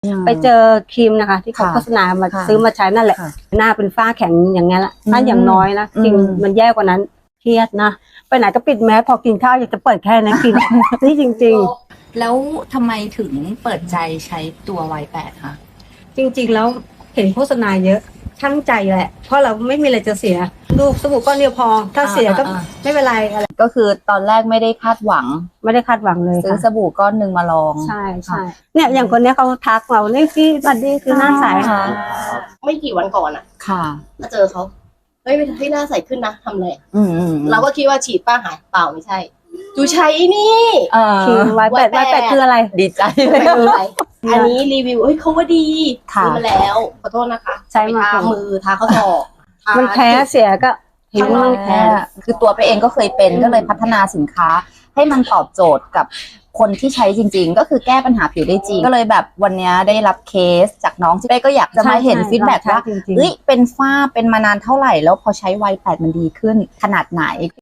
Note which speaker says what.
Speaker 1: ไปเจอครีมนะคะที่เขาโฆษณามาซื้อมาใช้นั่นแหละหน้าเป็นฝ้าแข็งอย่างเงี้ยละถ้าอย่างน้อยนะจริงมันแย่กว่านั้นเครียดนะไปไหนก็ปิดแมสพอกินข้าวอยากจะเปิดแค่นั้นกินนี่จริงๆ
Speaker 2: แล้วทำไมถึงเปิดใจใช้ตัว Y8 คะ
Speaker 1: จริงๆแล้วเห็นโฆษณาเยอะช่างใจแหละเพราะเราไม่มีอะไรจะเสียลูกสบู่ก้อนเดียวพอถ้าเสียก็ไม่เป็นไรอะไร
Speaker 3: ก็คือตอนแรกไม่ได้คาดหวัง
Speaker 1: ไม่ได้คาดหวังเลย
Speaker 3: ซื้อสบู่ก้อนหนึ่งมาลอง
Speaker 1: ใช่ใช่เนี่ยอย่างคนนี้เขาทักเราเนี่ยพี่สวัสดีคือหน้าใส
Speaker 4: ไม่กี่วันก่อนอ่ะ
Speaker 3: ค่ะ
Speaker 4: มาเจอเขาเฮ้ยให้หน้าใสขึ้นนะทำอะไรเราก็คิดว่าฉีดป้าหายเปล่าไม่ใช่จูใช้นี่
Speaker 1: คือY8คืออะไร
Speaker 3: ดีใจ
Speaker 4: เลยอันนี้รีวิวเฮ้ยเขาว่าดีซื้อมาแล้วขอโทษนะคะ
Speaker 1: ใช้มา
Speaker 4: ทามือทาข้อศอก
Speaker 1: มันแพ้เสียก็
Speaker 3: ผิวมันแพ้คือตัวไปเองก็เคยเป็นก็เลยพัฒนาสินค้าให้มันตอบโจทย์กับคนที่ใช้จริงๆก็คือแก้ปัญหาผิวได้จริงก็เลยแบบวันนี้ได้รับเคสจากน้องที่เป้ก็อยากจะมาเห็นฟีดแบ็กว่าเฮ้ยเป็นฝ้าเป็นมานานเท่าไหร่แล้วพอใช้Y8มันดีขึ้นขนาดไหน